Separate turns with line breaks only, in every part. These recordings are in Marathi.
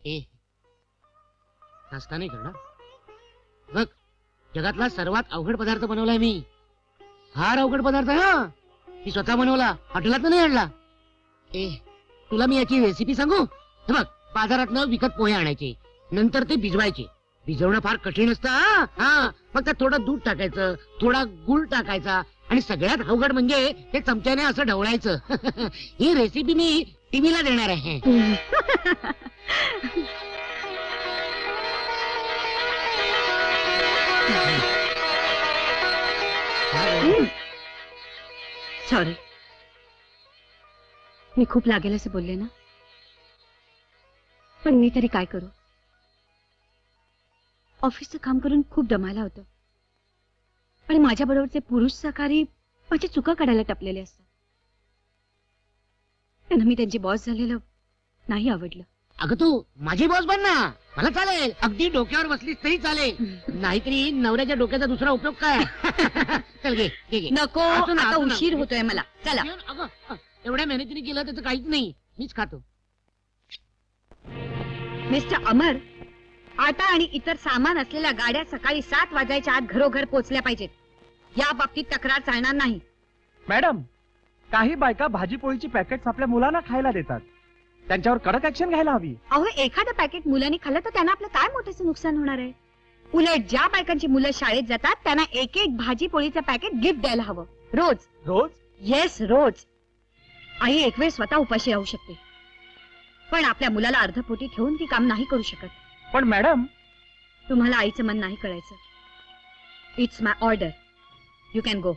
ए नाश्ता नाही करणार बघ, जगातला सर्वात अवघड पदार्थ बनवलाय मी. फार अवघड पदार्थ हा. मी स्वतः बनवला, हॉटेलात नाही आणला. ए तुला मी याची रेसिपी सांगू? हे बघ, बाजारात विकत पोहे आणायचे, नंतर ते भिजवायचे. भिजवणं फार कठीण असतं हा. फक्त थोडं दूध टाकायचं, थोडा गुळ टाकायचा, आणि सगळ्यात अवघड म्हणजे ते चमच्याने असं ढवळायचं. ही रेसिपी मी टीव्हीला देणार आहे.
सॉरी, मी खूप लागेल असं बोलले ना, पण मी तरी काय करू. ऑफिसचं काम करून खूप दमायला होतं, आणि माझ्या बरोबरचे पुरुष सहकारी माझी चुका काढायला टपलेले असतात. त्यांना मी त्यांची बॉस झालेलं नाही आवडलं.
अगं तू माझी बॉस बन ना, मला चालेल. अगदी डोक्यावर बसलीस तरी चालेल, नाहीतरी नवऱ्याच्या डोक्याचा दुसरा उपयोग काय? चल घे घे घे.
नको,
असं ना,
आता
असं ना.
उशीर होतोय मला. चला.
अगं एवढ्या मेहनतीने केलं त्याचं काहीच नाही, मीच खातो.
मिस्टर अमर, आटा आणि इतर सामान असलेल्या गाड्या सकाळी 7 वाजायच्या आत घरोघर पोहोचल्या पाहिजेत. या बाबतीत तक्रार चालणार नाही.
मॅडम, काही बायका भाजीपोळीची पॅकेट्स आपल्या मुलांना खायला देतात, त्यांच्यावर कडक ऍक्शन घ्यायला हवी.
अहो, एखादं पॅकेट मुलांनी खाल्लं तर त्यांना आपलं काय मोठंसं नुकसान होणार आहे. उलट ज्या बायकांची मुलं शाळेत जातात त्यांना एक एक भाजी पोळीचं पॅकेट गिफ्ट द्यायला हवं. रोज.
रोज?
येस, रोज. आई एक वेळ स्वतः उपाशी राहू शकते, पण आपल्या मुलाला अर्धपोटी ठेवून ती काम नाही करू शकत.
पण मॅडम,
तुम्हाला आईचं मन नाही कळायचं. It's my order. You can go.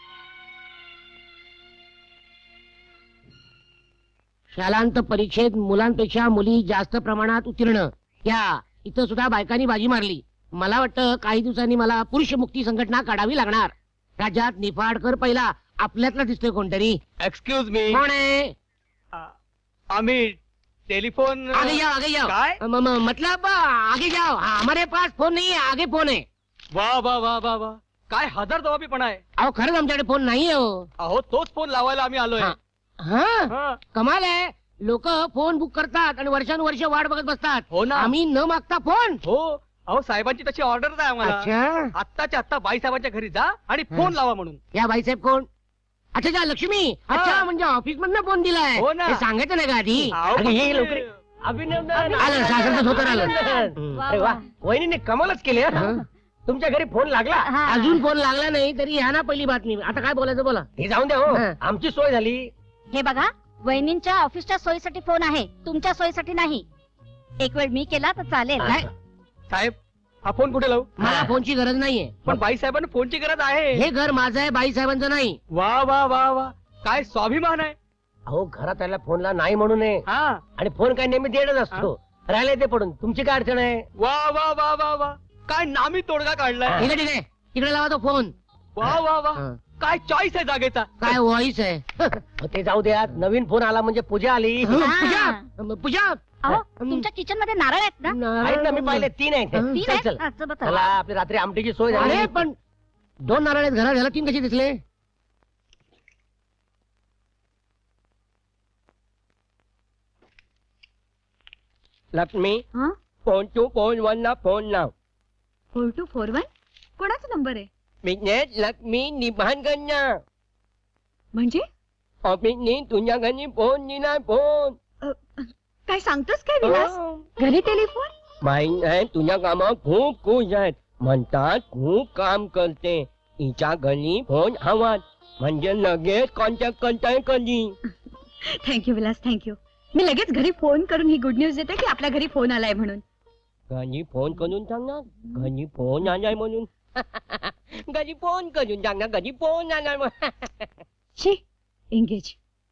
शालांत परीक्षेत मुलांपेक्षा मुली जास्त प्रमाणात उत्तीर्ण. या इथं सुद्धा बायकांनी बाजी मारली. मला वाटतं काही दिवसांनी मला पुरुष मुक्ती संघटना काढावी लागणार. राज्यात निफाडकर पहिला आपल्यातला दिसतोय कोणतरी.
Excuse me.
कोण आहे?
आम्ही टेलीफोन.
आगे जाओ आगे जाओ.
काय?
मतलब आगे जाओ. हमारे पास फोन नहीं है, आगे फोन है.
वा वा वा वा वा, काय हजर जबाबीपणा आहे.
अहो खरंच आमच्याकडे फोन नाही हो.
अहो, तोच फोन लावायला आम्ही आलोय.
हा. हा कमाल आहे. लोक फोन बुक करतात आणि वर्षानुवर्ष वाट बघत बसतात.
हो ना.
आम्ही न मागता फोन.
हो, अहो साहेबांची तशी ऑर्डर आहे आम्हाला.
अच्छा,
आत्ताच्या आत्ता बाई साहेबांच्या घरी जा आणि फोन लावा म्हणून.
या बाईसाहेब कोण? अच्छा अच्छा, लक्ष्मी. अच्छा, म्हणजे ऑफिस मधनं फोन दिलाय.
हो ना.
हे सांगायचं नाही का आधी?
अहो,
अरे हे लवकर
अभिनंदन.
आलं, सासरचं धोतर आलं.
अरे वा, वहिनीने कमालच केली हं.
हं?
तुमच्या घरी फोन लागला.
अजून फोन लागला नाही तरी ह्या ना पहिली बातमी. आता काय बोलायचं बोला.
हे जाऊन द्या हो,
हं.
आमची सोय झाली.
हे बघा, वहिनींच्या ऑफिसच्या सोयीसाठी फोन आहे, तुमच्या सोयीसाठी नाही. एक वेळ मी केला तर चालेल.
काय?
साहेब, हा फोन कुठे लावू?
मला फोनची गरज नाहीये.
पण बाई साहेबांना फोनची गरज आहे.
हे घर माझं आहे, बाई साहेबांचं नाही.
वा वा वा वा, काय स्वाभिमान आहे.
अहो, घरात त्याला फोनला नाही म्हणू नये.
हा,
आणि फोन काय नेहमी देणच असतो. राहिले ते पडून तुमची काय अडचण आहे?
वा वा वा वा वा, काय नामी तोडगा काढलाय.
ठीक आहे ठीक आहे, तिकडे लावा तो फोन.
वा वा वा,
हं.
काय चॉईस आहे जागेचा.
काय व्हॉइस आहे.
अहो, ते जाऊ द्या. नवीन फोन आला म्हणजे पूजा आली.
पूजा पूजा.
अहो, तुमच्या किचन मध्ये नारळ आहेत ना?
आहेत ना, मी पाहिले 3 आहेत.
तीन
चल
आहेत?
चल,
हा, चला, चला.
चला आपली रात्री आमटीची सोय झाली.
अरे पण 2 नारळ आहेत घरात, ह्याला 3 कसे दिसले?
लक्ष्मी,
हं?
फोन 2.1 ला फोन लाव.
4241 कोणाचा नंबर आहे?
बिझनेस लक्ष्मी निभानगंजा.
म्हणजे
ऑफिसनी तुझ्या घरी फोन दिलाय. फोन
काय सांगतोस काय विलास? घरी टेलिफोन?
माहित आहे, तुझ्या कामात खूप खुश आहेत. म्हणतात खूप काम करते. तिच्या घरी फोन हवा म्हणजे लगेच कॉन्टॅक्ट करताय कधी.
Thank you Vilas, thank you. मी लगेच घरी फोन करून ही गुड न्यूज देते की आपल्या घरी फोन आलाय म्हणून.
घरी फोन करून सांगणार, घरी फोन आलाय म्हणून. घरी फोन करून सांगणार, घरी फोन आलाय म्हणून.
शी, एंगेज.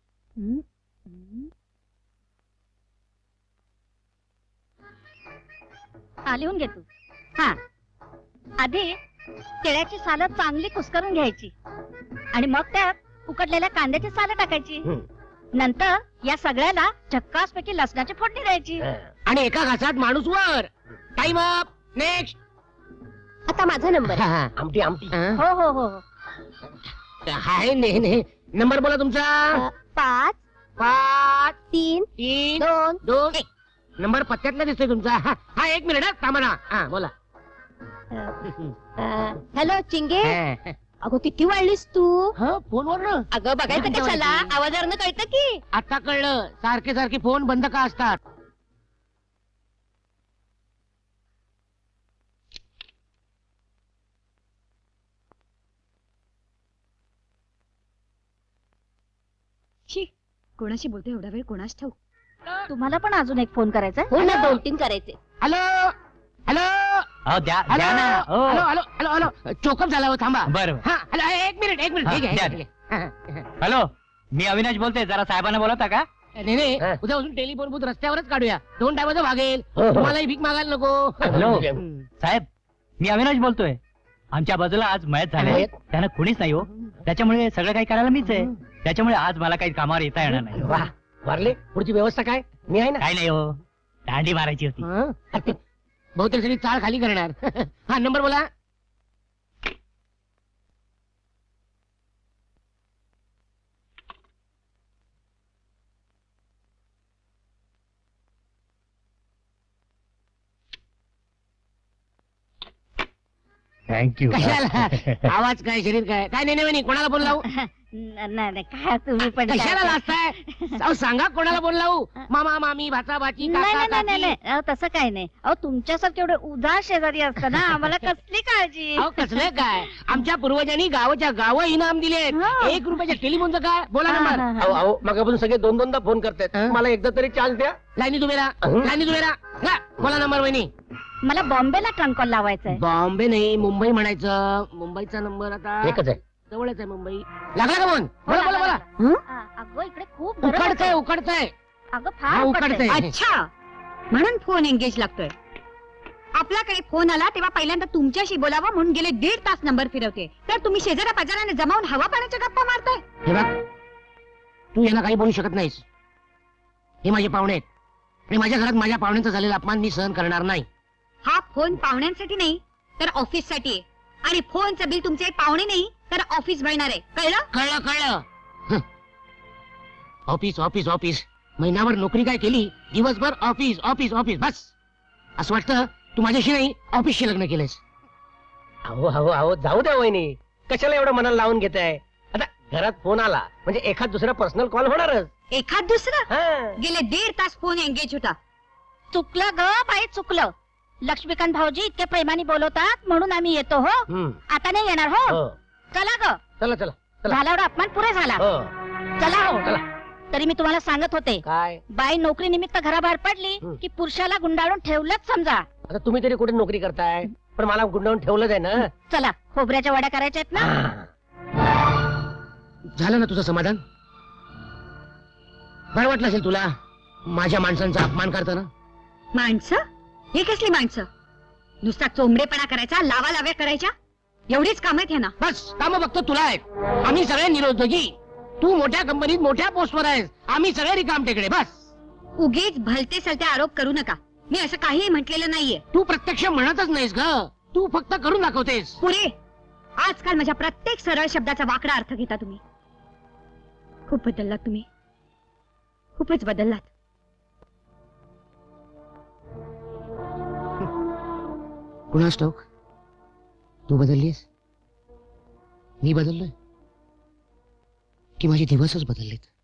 हा, लिहून घे तू. हा, आधी केळ्याची सालं चांगली कुस्करून घ्यायची आणि मग त्यात उकडलेल्या कांद्याची सालं टाकायची. नंतर या सगळ्याला झक्कास पैकी लसणाची फोडणी द्यायची.
आणि एका घासात माणूस वर. Time up. नेक्स्ट.
आता माझा नंबर आहे.
आमटी आमटी.
हो हो हो.
हाय ने नंबर बोला तुमचा.
5
5
3
3
2
2
1.
नंबर पत्त्यातला दिसतोय तुमचा. हा 1 मिनिट थांबा ना. हा बोला.
हॅलो चिंगे अगं किती वाढलीस तू
हा फोनवर ना.
अगं बघायचं कशाला आवाजावरनं कळतं की
आता कळलं. सारखे सारखे फोन बंद का असतात.
शी कोणाशी बोलते एवढा वेळ कोणाच ठाऊ.
तुम्हाला पण अजून एक फोन करायचा
हो ना,
2-3 करायचे.
हॅलो हॅलो
द्या
हॅलो
द्या ना. हो.
हॅलो हॅलो हॅलो हॅलो चोकअप झाला हो थांबा.
बरं
हा हॅलो 1 मिनिट 1 मिनिट.
हा,
ठीक आहे,
द्या,
ठीक आहे.
हॅलो, मी अविनाश बोलतोय. जरा साहेबांना बोलवता का?
नाही नाही
हा.
उद्यापासून टेलिफोन बूथ रस्त्यावरच काढूया. 2 टायमाचं भागेल.
हो, हो.
तुम्हालाही भीक मागायला नको.
हॅलो साहेब, मी अविनाश बोलतोय. आमच्या बाजूला आज मयत झाले.
मयत?
त्यानं कुणीच नाही हो. त्याच्यामुळे सगळं काही करायला मीच आहे. त्याच्यामुळे आज मला काही कामावर येता येणार नाही.
वा वारले पुढची व्यवस्था काय? मी आहे ना.
काय नाही हो, दांडी मारायची होती.
हा? बहुतेक सगळी चाळ खाली करणार. हा नंबर बोला.
थँक्यू.
कशाला आवाज काय शरीर काय काय नाही नाही कोणाला फोन लावू.
नाही काय तुम्ही पण
कशाला लाजताय. अहो सांगा कोणाला फोन लावू. मामा मामी भाचा भाची
नाही
काका
नाही नाही नाही
काकी.
अहो, तसं काय नाही अहो तुमच्यासारखे एवढे उदास शेजारी असतं ना आम्हाला कसली काळजी
अहो कसलं काय. आमच्या पूर्वजांनी गावाच्या गाव इनाम दिले.
हा.
1 रुपयाच्या टेलिफोनचं काय बोला
हा,
नंबर.
हा, हा.
अहो अहो मगापासून सगळे 2-2दा फोन करतायत.
हा?
मला एकदा तरी चान्स द्या.
लाईनी तुम्ही राहा लाईनी तुम्ही राहा. हा, बोला नंबर वहिनी.
मला बॉम्बेला ट्रंक कॉल लावायचा आहे
बॉम्बे नाही मुंबई म्हणायचं. मुंबईचा नंबर आता
एकच आहे.
जवळच आहे मुंबई. लागला का फोन.
हो,
बोला बोला
लागला,
बोला.
अगं इकडे खूप गरम
उकडतंय
होतंय.
उकडतंय.
अगं
हा,
फार
उकडतंय.
उकडतंय.
अच्छा म्हणून फोन एंगेज लागतोय. आपल्याकडे फोन आला तेव्हा पहिल्यांदा तुमच्याशी बोलावं म्हणून गेले 1.5 तास नंबर फिरवते. तर तुम्ही शेजाऱ्या पाजाराने जमावून हवा पाण्याच्या गप्पा मारताय.
हे बघ तू यांना काही बोलू शकत नाहीस. हे माझे पाहुणे आहेत आणि माझ्या घरात माझ्या पाहुण्यांचा झालेला अपमान मी सहन करणार नाही.
हा फोन पाहुण्यांसाठी नाही तर ऑफिस साठी आहे. आणि फोनचं बिल तुमचे पाहुणे नाही तर ऑफिस भरणार आहे. कळलं?
कळलं कळलं. हं. ऑफिस ऑफिस ऑफिस महिनाभर नोकरी काय केली. दिवसभर ऑफिस ऑफिस ऑफिस बस. असं वाटतं तू माझ्याशी नाही ऑफिसशी लग्न केलंयस.
अहो अहो अहो जाऊ द्या वहिनी. कशाला एवढं मनाला लावून घेताय. आता घरात फोन आला म्हणजे एखाद दुसरा पर्सनल कॉल होणारच.
एखाद दुसरं
हा.
गेले 1.5 तास फोन एंगेज होता.
चुकलं ग बाई चुकलं. लक्ष्मीकांत भाऊजी इतके प्रेमाने बोलवतात म्हणून आम्ही येतो हो.
हम्म.
आता नाही येणार हो.
हो.
चला ग
चला चला चला.
झाला एवढा अपमान पुरे झाला.
हो.
चला हो.
चला.
तरी मी तुम्हाला सांगत होते
काय
बाई नोकरी निमित्त घराबाहेर पडली
हं.
की पुरुषाला गुंडाळून ठेवलंच समजा.
आता तुम्ही तरी कुठे नोकरी करताय. पण मला गुंडावून ठेवलंच आहे ना.
चला खोबऱ्याच्या वड्या करायच्या आहेत ना.
हा.
झालं ना तुझं समाधान. बरं वाटलं असेल तुला माझ्या माणसांचा अपमान करताना.
माणसं हे कसली माणसं. नुसता चोंबडेपणा करायचा लावा लाव्या करायच्या एवढीच काम आहेत ना.
बस काम बघतो तुला आहेत. आम्ही सगळे निरुद्योगी. तू मोठ्या कंपनीत मोठ्या पोस्टवर आहेस. आम्ही सगळे रिकाम टेकडे बस.
उगीच भलते सलते आरोप करू नका. मी असं काहीही म्हटलेलं नाहीये.
तू प्रत्यक्ष म्हणतच नाहीस ग. तू फक्त करून दाखवतेस.
पुरे आजकाल माझ्या प्रत्येक सरळ शब्दाचा वाकडा अर्थ घेता तुम्ही. खूप बदललात तुम्ही. खूपच बदललात.
कुणास ठाऊक तू बदललीस मी बदललोय की माझे दिवसच बदललेत.